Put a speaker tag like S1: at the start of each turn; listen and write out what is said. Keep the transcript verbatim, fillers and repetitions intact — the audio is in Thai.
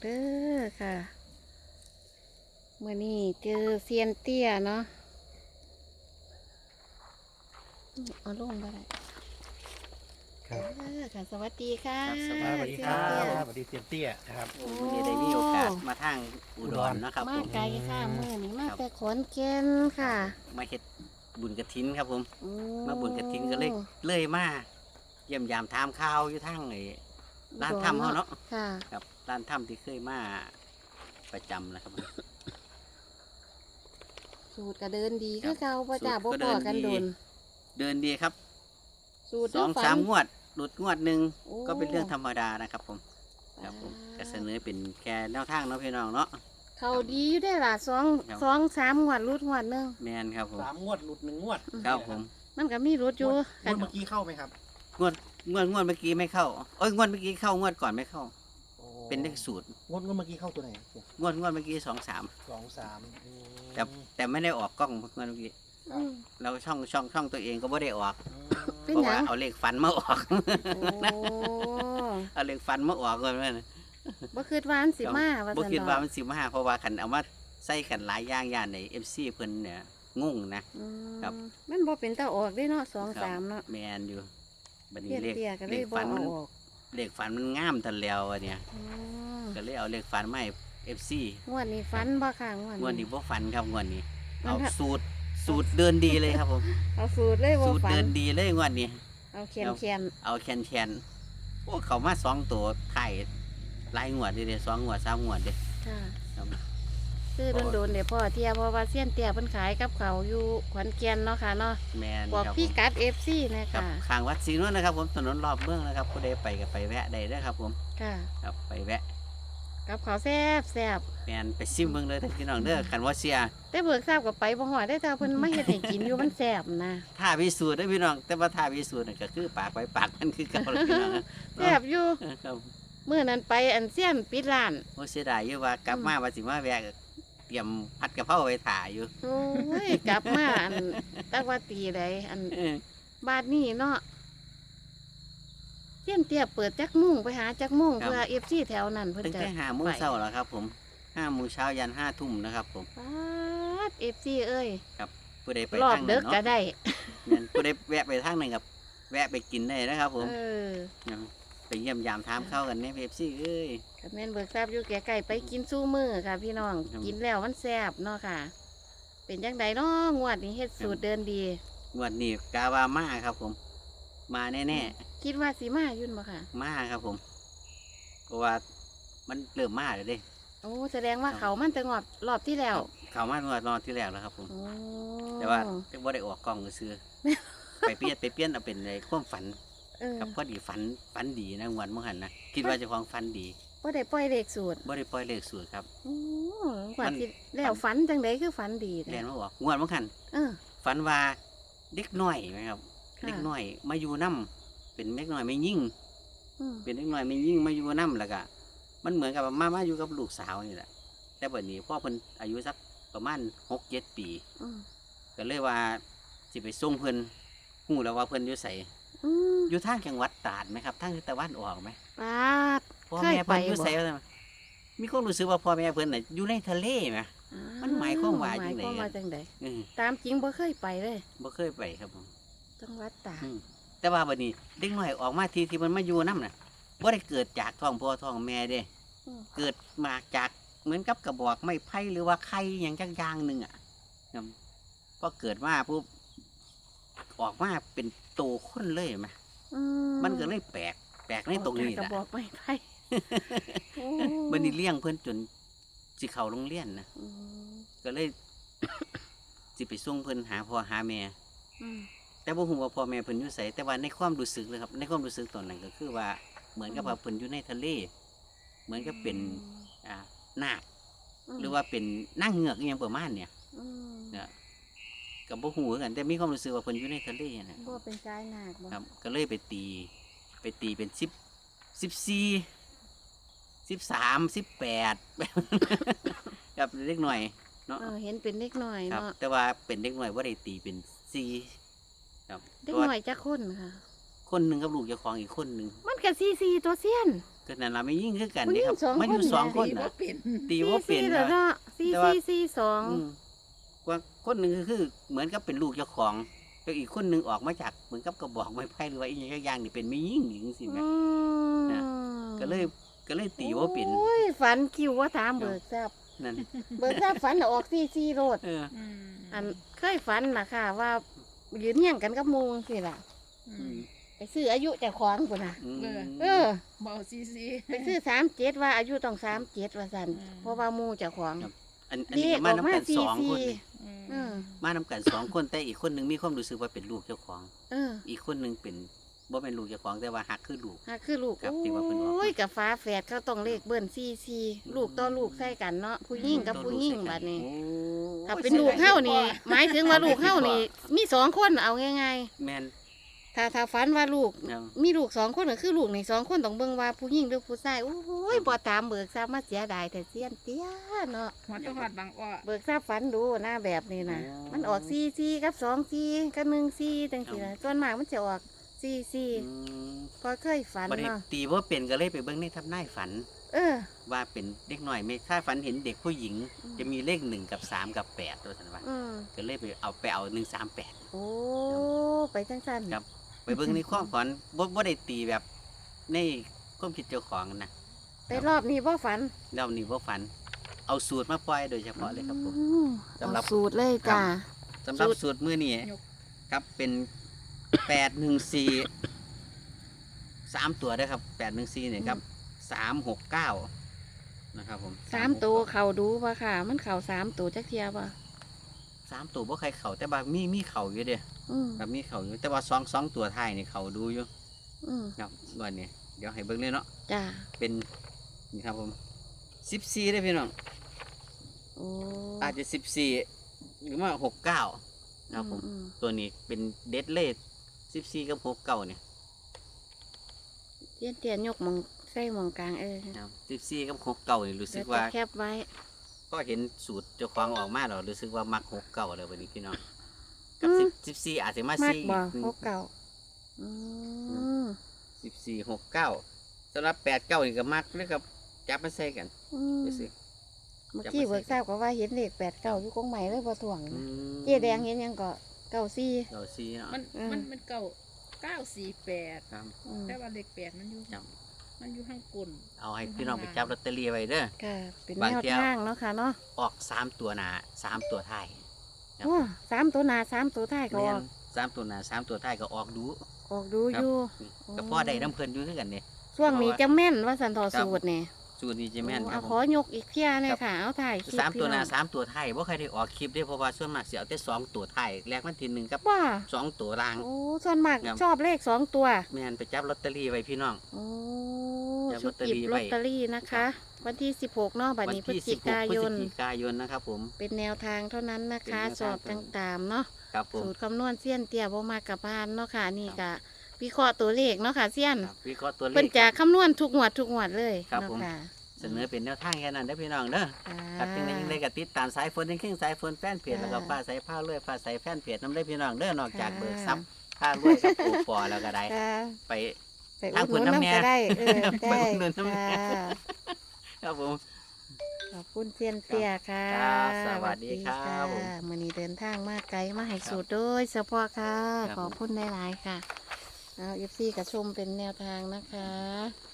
S1: เด้อค่ะเมื่อนี้เจอเซียนเตี้ยเนาะเอาลงไปได้
S2: ครับ
S1: เออค่ะสวัสดีค่ะ
S3: ครับส
S2: สวัสดีครั
S1: เซียน
S2: บ
S1: เตี้ย
S2: สวัสดีเตียนเตี้ยนะครับ
S3: โอ้วันนี้ได้มีโอกาสมาทางอุดรนะครับ
S1: มา
S3: ผม
S1: ไกลค่ะเมื่อนี้มา
S3: ครับ
S1: แต่ขอนแก่นค่ะ
S3: มาเฮ็ดบุญกระถินครับผม
S1: โอ้
S3: มาบุญกระถินก็เลยเลยมาเยี่ยมยามถามข่าวอยู่ทางไอ้ร้านถ้ำเขาเนาะ
S1: ค่ะ
S3: ครับร้านถ้ำที่เคยมาประจำนะครับผม
S1: สูตรก็เดินดี
S3: ครั
S1: คือบ เก่าประจ่า
S3: สู
S1: บ่
S3: ตรก็
S1: พอ
S3: เดิน
S1: กัน
S3: ดี
S1: โดน
S3: เดินดีครับ
S1: สูตร
S3: สอง
S1: ฝัน
S3: สามงวดหลุดงวดหนึ่ง
S1: โอ้
S3: ก็เป็นเรื่องธรรมดานะครับผมครับผมก็เสนอเป็นแค่แนวทางเนาะพี่น้องเนาะ
S1: เขาดีอยู่ได้อล่ะสอง
S3: ครับ
S1: สองสามงวดรุดงวดหนึง
S3: แมนครับผม
S2: สามงวดหลุดหนึ่งงวด
S3: ครับผม
S1: มันก็มีรุดอยู่
S2: งวด
S1: กัน
S2: เมื่อกี้เข้าไหมครับ
S3: งวดงวดงวดเมื่อกี้ไม่เข้าเอ้ยงวดเมื่อกี้เข้างวดก่อนไม่เข้า
S2: โอ้
S3: เป็นเลขสูตร
S2: งวดงวดเมื่อกี้เข้าตัวไหน
S3: งวดงวดเมื่อกี้สองสาม
S2: สองสามอืม
S3: แต่แต่ไม่ได้ออกกล้องงวดเมื่อกี้
S2: ครับ
S1: อืม
S3: เราช่องช่องช่องตัวเองก็ไม่ได้ออก
S1: เป็น
S3: เพราะ
S1: หยั
S3: ว่าง เอาเลขฟันมาออก
S1: โอ้
S3: เอาเลขฟันมาออกเลยแม่น
S1: บ่คิดว่ามันสิมาว่า
S3: บ่
S1: ซั่น
S3: คิดว่า
S1: ดอก
S3: มันสิมาเพราะว่าคันเอามาใส่กันหลายอย่างย่านใน เอฟ ซี เพิ่นเนี่ยงงนะ
S1: อืม
S3: ครับ
S1: มันบ่เป็นตาออกได้เนาะสอง
S3: ครับ
S1: สามเนาะ
S3: แมนอยู่บัดนี้
S1: เตี้ย
S3: เลข
S1: เตี้ยก็เล
S3: เลย ข
S1: บ่
S3: ฟัน
S1: เอา
S3: มัน
S1: ออก
S3: เลขฟันมันงามทันแล้วอะเนี่ย
S1: อืม
S3: ก็เลยเอาเลขฟันมาให้ เอฟ ซี
S1: งวดนี้ฟันบ่ค่ะงวด
S3: งวดนี้บ่ฟันครับงวดนี้
S1: มัน
S3: เอา
S1: ถ้า
S3: สูตรสูตรเดินดีเลยครับผม
S1: เอาสูตรเลยบ่
S3: สูตร
S1: ฟั
S3: เดิ
S1: น
S3: นดีเลยงวดนี้
S1: เอาเขียนเขียน
S3: เอาแคนแคนโอ้เขามาสองตัวไข่หลายงวดเด้สองงวดสามงวดเด้
S1: ค่ะ
S3: ครับ
S1: ซื้อโดนๆเดี๋ยวพ่อเที่ยเพราะว่าเสี้ยนเตี้ยเพิ่นขายกับเขาวอยู่ขอนแก่นเนาะค่ะเนาะ
S3: แมน
S1: บอก
S3: ครับ
S1: พี่
S3: ผม
S1: กัด เอฟ ซี นะ
S3: ครั
S1: คะ
S3: บข้างวัดศรีนวลนะครับผมถนนรอบเมืองนะครับผู้ใดไปก็ไปแวะได้เด้อครับผม
S1: ค่ะ
S3: ครับไปแวะ
S1: กับเขาวแซ่บแซ่บ
S3: แมนไปซิมเมืองเลยเด้อพี่น้องเด้อคันว่าเสีย
S1: แต่เบิกทราบกับไปบ่ฮอดได้แต่เพิ่นมาเฮ็ดให้กินอยู่มันแซ่บนะ
S3: ท่าพิสูจน์เด้อพี่น้องแต่ว่าท่าพิสูจน์น่ะก็คือปากไปปากมันคือเก่าแล้วพี่น้องนะ
S1: แซ่บอยู่
S3: ครับ
S1: มื้อนั้นไปอันเสี้ยนปิดร้าน
S3: โอ้เสียดายอยู่ว่ากลับมาว่าสิมาแวะก็เตรียมผัดกะเพราไว้ถ่าอยู่
S1: โอ้ยกลับมาอันตักว่าตีใดอัน
S3: เออ
S1: บ้านนี้เนาะเสี้ยนเตี้ยเปิดจักมุ่งไปหาจักมุ่งเพื่อ เอฟ ซี แถวนั้นเพิ่น
S3: ตั้ง
S1: จะ
S3: แต่ห้าโมงเช้าแล้วครับผมห้าโมงเช้ายันห้าทุ่มนะครับผม
S1: ปาด เอฟ ซี เอ้ย
S3: ผู้ใดไป
S1: รอบ
S3: ทาง
S1: เด็
S3: นั้
S1: ก
S3: น
S1: ก็
S3: เนาะ
S1: ได้
S3: แม่นผู้ใดแวะไปทางนั้นกับแวะไปกินได้นะครับผม
S1: เออ
S3: ไปเยี่ยมยามถามข้าวกันเนี่ยเอฟซีเอ้ย
S1: กับแม่นเบิกทราบอยู่แก่ไก่ไปกินสู้มือค่ะ พี่น้อง
S3: ครับ
S1: กินแล้วมันแซ่บเนาะค่ะ เป็นจังไดเนาะงวดนี้เฮ็ดสูตรเดินดี
S3: งวดนี้กาวามาครับผม มาแน่
S1: คิดว่าสีมายุ่นบ่ค่ะ
S3: ๆมาครับผม เพราะว่ามันเริ่มมาเลยเด้
S1: โอ้แสดงว่าเขามันจะงอบรอบที่แล้ว
S3: เขามางวดนอนที่แล้วแล้วครับผม
S1: โอ้
S3: แต่ว่าบ่ได้ออกกล้องซื้อ ไปเปลี่ยนไปเปลี่ยนเอาเป็นในความฝัน
S1: เออ
S3: กับพอดีฝันฝันดีนะงวดเมื่อหันนะคิดว่าเจะของฝันดี
S1: บ่ได้ปล่อยเลขสูตร
S3: บ่ได้ปล่อยเลขสูตรครับ
S1: โอ้งว
S3: มั
S1: ด
S3: น
S1: ที่แล้วฝันจังไดคือฝันดี
S3: แล
S1: แท้
S3: นมาบอกงวดเมื่อหัน
S1: เออ
S3: ฝันว่าเด็กน้อยไหมครับ
S1: ค่ะ
S3: เด็กน้อยมาอยู่น้ำเป็นเด็กน้อยไม่ยิ่ง
S1: อืม
S3: เป็นเด็กน้อยไม่ยิ่งมาอยู่น้ำแล้วก็มันเหมือนกับว่ามามาอยู่กับลูกสาวนี่แหละแต่บัดนี้พ่อเพิ่นอายุสักประมาณหกเจ็ดปี
S1: อืม
S3: ก็เลยว่าสิไปส่งเพิ่นหูแล้วว่าเพิ่นอยู่ใส่
S1: อืม
S3: อยู่ทางจังหวัดตราดไหมครับทางทิศตะวันออกไหม
S1: ปาด
S3: พ่อ
S1: เคย
S3: แม่เพิ่นอยู่
S1: ไปบ่
S3: ใส่ว่าซั่นมีความรู้สึกว่าพ่อแม่เพิ่นน่ะอยู่ในทะเลไหม มันหมายความว่า
S1: หมายความว่า
S3: จั
S1: จั
S3: ง
S1: ง
S3: ใด
S1: ได
S3: เออ
S1: ตามจริงบ่เคยไปเลย
S3: บ่เคยไปครับผม
S1: จังหวัดตาก
S3: อืมแต่ว่าบัดนี้เด็กน้อยออกมาทีที่มันมาอยู่น้ำน่ะบ่ได้เกิดจากท้องพ่อท้องแม่เด้
S1: อืม
S3: เกิดมาจากเหมือนกับกระบอกไม้ไผ่หรือว่าไข่อย่างจักอย่างหนึ่งอ่ะครับพอเกิดมาปุ๊บออกมาเป็นโตคนเลยไหม
S1: อื
S3: มันก็เลยแปลกแปลกในตรงนี้
S1: กระ
S3: แหละ
S1: บอกไม้ไผ่โอ้
S3: บันนี้เลี้ยงเพื่อนจนสิเข้าโรงเรียนนะ
S1: อืม
S3: ก็เลย สิไปส่งเพื่อนหาพ่อหาแม่
S1: อืม
S3: แต่บ่ฮู้ว่าพ่อแม่เพิ่นอยู่ไสแต่ว่าในความรู้สึกเลยครับ ในความรู้สึกตอนนั้นก็คือว่าเหมือนกับว่าเพิ่นอยู่ในทะเล เหมือนกับเป็นอ่านาค
S1: ม
S3: หรือว่าเป็นนางเงือกอหยังประมาณเนี่ย
S1: อืม
S3: เนี่ยกับบ่ฮู้คือกัน แต่มีความรู้สึกว่าเพิ่นอยู่ในทะเลนะ
S1: บ่เป็นสายนาคบ่
S3: ครับ ก็เลยไปตี ไปตีเป็นสิบสิบสี่สิบสามสิบแปด กับเล็กหน่อยเนาะ
S1: เออเห็นเป็นเด็กน้อย
S3: ครับ
S1: เนาะ
S3: แต่ว่าเป็นเด็กหน่อยว่าได้ตีเป็นสี่ครับ
S1: เด็ก
S3: เพราะว่า
S1: น้อยจักคนค่ะ
S3: คนหนึ่งกับลูกเจ้าของอีกคนหนึ่ง
S1: มันก็ซีซีตัวเซียน
S3: ก็นั่นล่ะไม่ยิ่งคือกัน
S1: ผู้หญิ
S3: นี่
S1: ง
S3: ครับ
S1: สอง
S3: มันอยู่
S1: คน
S3: สอง
S1: แหละ
S3: คน
S4: ตีบ่
S3: น่ะ
S4: เป็น
S3: ตีว่าเป็น
S1: สี่สี่เหรอ
S3: นะ
S1: เนาะสี่
S3: แต่ว่า
S1: สี่สี่สอง
S3: อืมว่าคนหนึ่งก็คือเหมือนกับเป็นลูกเจ้าของแล้วอีกคนหนึ่งออกมาจากเหมือนกับกระบอกไม้ไผ่หรือว่าอีกอย่างนี่เป็นไม่ยิ่งหญิงสิแม่
S1: อืม
S3: นะ ก็เลยก็เลยตีว่าเป็น
S1: โอ้ยฝันคิวว่าถามเบิกทราบ
S3: นั่น
S1: เบิกทราบฝันน่ะออกสี่สี่โรด
S3: เออ
S4: อืม
S1: อันเคยฝันนะค่ะ ว่ายืนเฮียงกันกับหมูสิล่ะ
S4: อื
S3: อื
S4: ม
S3: ม
S1: ไปซื้ออายุเจ้าของปุ่นน่ะ
S3: อืม
S1: เออ
S4: เบาซีซี
S1: ไปซื้อสามเจ็ดว่าอายุต้องสามเจ็ดว่าสัน
S4: อืม
S1: เพราะว่าหมูเจ้าของ
S3: อันอันนี้ก็มาน้ำกันสองคนนี่
S1: เออ
S3: มาน้ำกันสองคนแต่อีกคนหนึ่งมีความรู้สึกว่าเป็นลูกเจ้าของ
S1: เออ
S3: อีกคนหนึ่งเป็นบ่เป็นลูกเจ้าของแต่ว่าหักคือลูก
S1: ฮะคือลูก
S3: ครับที่ว่าเพิ่นบอก
S1: โอ้ยกับฟ้าแฝดเขาต้องเลขเบิ้ลซีซีลูกต่อลูกใส่กันเนาะผู้หญิงกับผู้หญิงบัดนี้
S3: โอ้
S1: ถ้าเป็นลูกเฮ้านี่ หมายถึงว่าลูกเฮ้านี่ มีสองคนเอาง่าย
S3: แม่น
S1: ๆถ้าถ้าฝันว่าลูก
S3: เอา
S1: มีลูกสองคนก็คือลูกในสองคนต้องเบิ่งว่าผู้หญิงหรือผู้ชายโอ้ยบ่ตามเบิกทราบมาเสียดายแต่เสียนเตี้ยเนาะ
S4: หัวตะหอดบางอ้อ
S1: เบิกทราบฝันดูหน้าแบบนี้นะมันออกซีซีกับสองซีกับหนึ่งซีจังซี่นะส่วนมากมันจะออกซีซี
S3: อืม
S1: พอเคยฝัน
S3: บัดนี้
S1: เนาะ
S3: ตีว่าเป็นก็เลยไปเบิ่งในทับนายฝัน
S1: เออ
S3: ว่าเป็นเด็กหน่อยไม่ถ้าฝันเห็นเด็กผู้หญิง
S1: อืม
S3: จะมีเลขหนึ่งกับสามกับแปดตัวสันว่า
S1: อืม
S3: ก็เลยไปเอาไปเอาหนึ่งสามแปด
S1: โอ้ไปจังสัน
S3: ครับ ไปเบิ่งในความฝันบ่บ่ได้ตีแบบในความคิดเจ้าของนะ
S1: ไปรอบนี้บ่ฝัน
S3: เรานี่ว่าฝัน เอาสูตรมาปล่อยโดยเฉพาะเลยครับผม
S1: อืม
S3: สำหรับ
S1: เอาสูตรเลยจ้า
S3: สำหรับ
S1: สูตร
S3: สูตรมื้อนี้ครับเป็นแปดหนึ่งสี่สามตัวด้วยครับแปดหนึ่งสี่เนี่ยครับสามหกเก้านะครับผม
S1: สามตัวเข่าดูป่ะค่ะ มันเข่าสามตัวจักเทียป่ะ
S3: สามตัวบ่ใครเข่าแต่ว่ามีมีเข่าอยู่เด้
S1: อืม
S3: ครับมีเข่าอยู่แต่ว่าสองสองตัวท้ายนี่เข่าดูอยู่
S1: อืม
S3: ครับวันนี้เดี๋ยวให้เบิ่งเลยเนาะ
S1: จ้า
S3: เป็นนี่ครับผมสิบสี่ได้อพี่น้อง
S1: โอ้
S3: อาจจะสิบสี่หรือว่าหกเก้านะครับผม
S1: อืม
S3: ตัวนี้เป็นเดดเลทสิบสี่กับหกเก้าเนี่ย
S1: เตียนเตียนยกหมองใส่หมองกลางเออ
S3: สิบสี่กับหกเก้านี่รู้สึ
S1: เดี๋ย
S3: ก
S1: ว
S3: ว่า
S1: จะแคบไว้
S3: ก็เห็นสูตรเจ้าของออกมาแล้วรู้สึกว่ามักหกเก้าเลยวันนี้พี่น้องกับสิบสิบสี่อาจจะมา
S1: มัก
S3: สี่
S1: บ่หกเก่าอืม
S3: สิบสี่หกเก้าสำหรับแปดเก้านี่ก็มักแล้วก็จับมาใส่กัน
S1: อืม
S3: ดูสิ
S1: เมื่อกี้เบิกทราบก็ว่าเห็นเลขแปดเก่าอยู่กงใหม่เลยบ่ถ่วง
S3: อืม
S1: เจ๊แดงเห็นยังก็เก่าซี่
S3: เราสี่เนาะ
S4: มัน
S1: อืม
S4: มันมันเก่าเก้าสี่แปด
S3: ครับ
S1: อืม
S4: แต่ว่าเลขแปดมันอยู่
S3: ครับ
S4: มันอยู่ข้างกลน
S3: เอาให้พี่น้องไปจับลอตเตอรี่ไว้เด้อ
S1: ค่ะเป็น
S3: บาง
S1: แนว
S3: เที่ยว
S1: ทางเนาะค่ะเนาะ
S3: ออกสามตัวหนาสามตัวท้าย ครับ
S1: โอ้สามตัวหนาสามตัวท้ายก็อ
S3: แม่
S1: อน ก
S3: สามตัวหนาสามตัวท้ายก็ออกดู
S1: ออกดู
S3: ครั
S1: อบ ยู่
S3: ก็พ่อได้น้ำเพลินอยู่คือกันเนี่ย
S1: ช่วงนี้จะแม่นว่าสันทอ
S3: ครับ
S1: สูตรเนี่ย
S3: สูตรนี้จะแม่นค
S1: เอา
S3: รับ
S1: ข
S3: ผ
S1: อ
S3: ม
S1: ยกอีกเที่ยเลยค่ะ เอาถ่ายคลิป
S3: สามตัวหนา
S1: พี่อง
S3: สามตัวท้ายว่าใครได้ออกคลิปได้เพราะว่าส่วนมากเสียเอาแต่สองตัวท้ายแรกมันทีหนึ่งกับ
S1: ว่า
S3: สองตัวราง
S1: โอ้ส่วนมาก
S3: ครับ
S1: ชอบเลขสองตัว
S3: แม่นไปจับลอตเตอรี่ไว้พี่น้อง
S1: โอ้
S3: จับ
S1: ชุด
S3: ลอตเตอ
S1: หยิ
S3: รี่
S1: บ
S3: ไว้
S1: ลอตเตอรี่นะคะ วันที่สิบหกเนาะบัด
S3: วั
S1: นี้พฤศ
S3: ที่
S1: จิ
S3: สิบหก
S1: กา
S3: พฤ
S1: ย
S3: ศ
S1: น
S3: จิกายนนะครับผม
S1: เป็นแนวทางเท่านั้นนะคะ
S3: เป็นแนวทาง
S1: สอบต่างๆเนาะ
S3: ครับผม
S1: สูตรคำนวณเสี้ยนเตี้ยบ่มากับพานเนาะค่ะนี่กะวิเคราะห์ตัวเลขเนาะค่ะเสี้ยน
S3: ครับวิเคราะห์ตัวเล
S1: เพิ่น
S3: ข
S1: จะคำนวณทุกงวดทุกงวดเลย
S3: ครับ
S1: เนาะ
S3: ผม
S1: ค่ะ
S3: เสนอเป็นแนวทางแค่นั้นได้อพี่น้องเด้อ ครับจังไดยังได้กับติดตามสายฝนยังครึ่งสายฝนแฟนเพจแล้วก็ฟ้าใสผ้าเลื่อยฟ้าใสแฟนเพจน้ำได้พี่น้องเด้อนอกจากเบิกทรัพย์ผ้าเลื่อยกับโอปอแล้วก็ได้
S1: ค่ะ
S3: ไป
S1: ไป
S3: ทาง
S1: อุดหนุน
S3: เพิ่นน้ำแน่
S1: น้ำก็ได้เออ
S3: ไป
S1: ได้
S3: อุดหนุนน้ำแน่
S1: ค่ะ
S3: ครับผม
S1: ขอบคุณเซียนเตี้ยค่ะ
S3: ครับสวัสดีครับ
S1: สวัส
S3: ผม
S1: ค่ะมื้อนี้เดินทางมาไกลมาให้สูตรโดยเฉพาะค่ะ
S3: ครับ
S1: ขอบคุณหลายๆค่ะเอา เอฟ ซี กับชมเป็นแนวทางนะคะ